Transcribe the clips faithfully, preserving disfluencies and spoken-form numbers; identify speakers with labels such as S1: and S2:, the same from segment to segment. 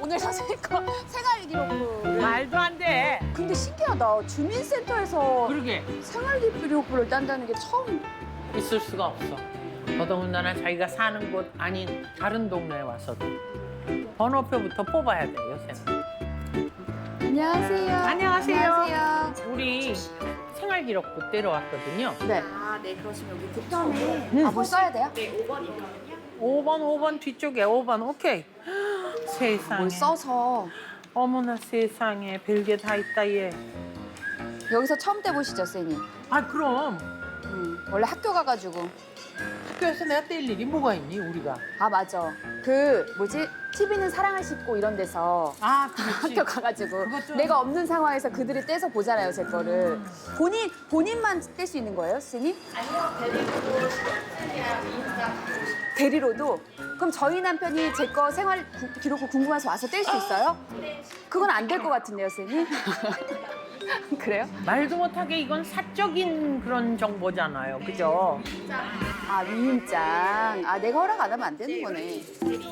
S1: 오늘 선생님 거 생활 기록부를.
S2: 말도 안 돼.
S1: 근데 신기하다. 주민센터에서
S2: 그러게
S1: 생활 기록부를 딴다는 게 처음.
S2: 있을 수가 없어. 더더군다나 자기가 사는 곳 아닌 다른 동네에 와서도 번호표부터 뽑아야 돼 요새는.
S1: 안녕하세요.
S2: 안녕하세요.
S1: 안녕하세요.
S2: 우리 생활기록부 떼러 왔거든요.
S1: 네.
S3: 아, 네, 그러시면 여기 득점에
S2: 음.
S1: 아, 뭘 써야 돼요?
S3: 네, 오 번이거든요.
S2: 오 번, 오 번 뒤쪽에 오 번. 오케이. 세상에.
S1: 뭘 써서.
S2: 어머나 세상에 별게 다 있다 얘.
S1: 여기서 처음 떼보시죠, 쌤이.
S2: 아 그럼
S1: 음, 원래 학교 가가지고.
S2: 학교에서 내가 뗄 일이 뭐가 있니 우리가.
S1: 아, 맞아. 그, 뭐지? 티비는 사랑을 싣고 이런 데서
S2: 아 그렇지.
S1: 학교 가가지고
S2: 그것 좀-
S1: 내가 없는 상황에서 그들이 떼서 보잖아요, 제 거를. 본인, 본인만 뗄 수 있는 거예요, 쌤이?
S3: 아니요, 데리고 시간이랑 인스타
S1: 대리로도? 그럼 저희 남편이 제 거 생활 구- 기록부 궁금해서 와서 뗄 수 있어요? 그건 안 될 것 같은데요, 쌤이? 그래요?
S2: 말도 못하게 이건 사적인 그런 정보잖아요. 그죠?
S1: 아, 위임장. 아, 내가 허락 안 하면 안 되는 거네.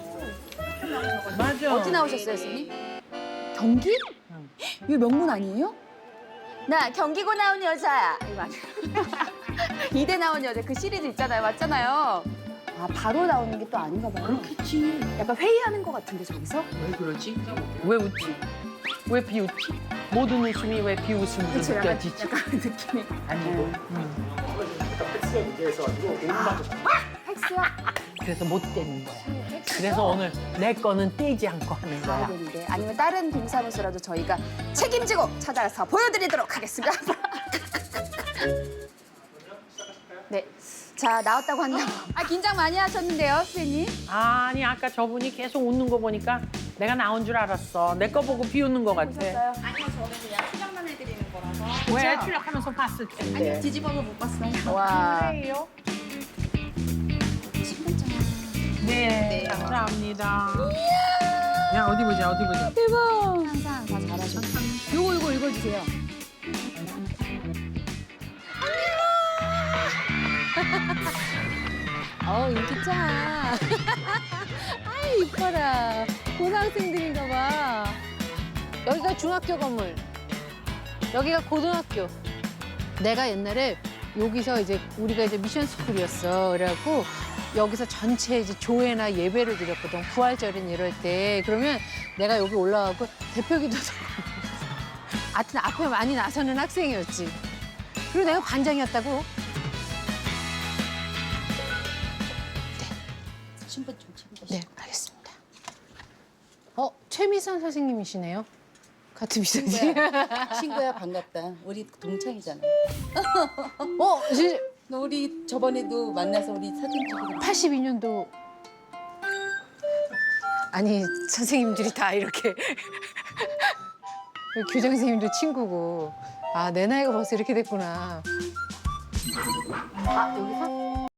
S2: 맞아.
S1: 어디 나오셨어요, 쌤이? 경기?
S2: 응.
S1: 이거 명문 아니에요? 나 경기고 나온 여자야. 이거 아니에요? 이대 나온 여자 그 시리즈 있잖아요. 맞잖아요. 아, 바로 나오는 게 또 아닌가 봐요.
S2: 그렇겠지.
S1: 약간 회의하는 것 같은데, 저기서?
S2: 왜 그러지? 왜 웃지? 왜 비웃지? 모든 웃음이 왜 비웃음으로
S1: 그쵸, 약간,
S2: 느껴지지?
S1: 약간 느낌이.
S2: 아니고.
S1: 네.
S2: 음.
S1: 팩스요?
S2: 그래서 못 떼는 거야.
S1: 팩스요?
S2: 그래서 오늘 내 거는 떼지 않고 하는
S1: 가야
S2: 거야.
S1: 되는데. 아니면 다른 동사무소라도 저희가 책임지고 찾아서 보여드리도록 하겠습니다. 네. 자, 나왔다고 한다고. 아, 긴장 많이 하셨는데요, 선생님?
S2: 아니 아까 저분이 계속 웃는 거 보니까 내가 나온 줄 알았어. 내 거 보고 비웃는 거 같아.
S1: 보셨어요?
S3: 아니요, 저는 그냥 수정만 해드리는 거라서.
S2: 왜
S1: 그쵸?
S2: 출력하면서 봤을 텐데.
S3: 아니요, 뒤집어서 못 봤어요.
S1: 와.
S2: 그래요?
S1: 신분증.
S2: 네, 감사합니다. 야 어디 보자 어디 보자.
S1: 대박. 항상 다 잘하셔. 요거, 요거 읽어주세요.
S4: 어, 인기짱. 아이, 이뻐라. 고등학생들인가 봐. 여기가 중학교 건물. 여기가 고등학교. 내가 옛날에 여기서 이제 우리가 이제 미션 스쿨이었어. 그래갖고 여기서 전체 이제 조회나 예배를 드렸거든. 부활절인 이럴 때. 그러면 내가 여기 올라가고 대표기도도 하여튼 앞에 많이 나서는 학생이었지. 그리고 내가 반장이었다고.
S3: 신분증 챙겨주세요.
S4: 네, 알겠습니다. 어, 최미선 선생님이시네요. 같은 미선지.
S5: 친구야 반갑다. 우리 동창이잖아.
S4: 어, 지-
S5: 너 우리 저번에도 만나서 우리 사진 찍고
S4: 팔십이 년도. 아니, 선생님들이 다 이렇게. 교장 선생님도 친구고. 아, 내 나이가 벌써 이렇게 됐구나. 아, 여기서?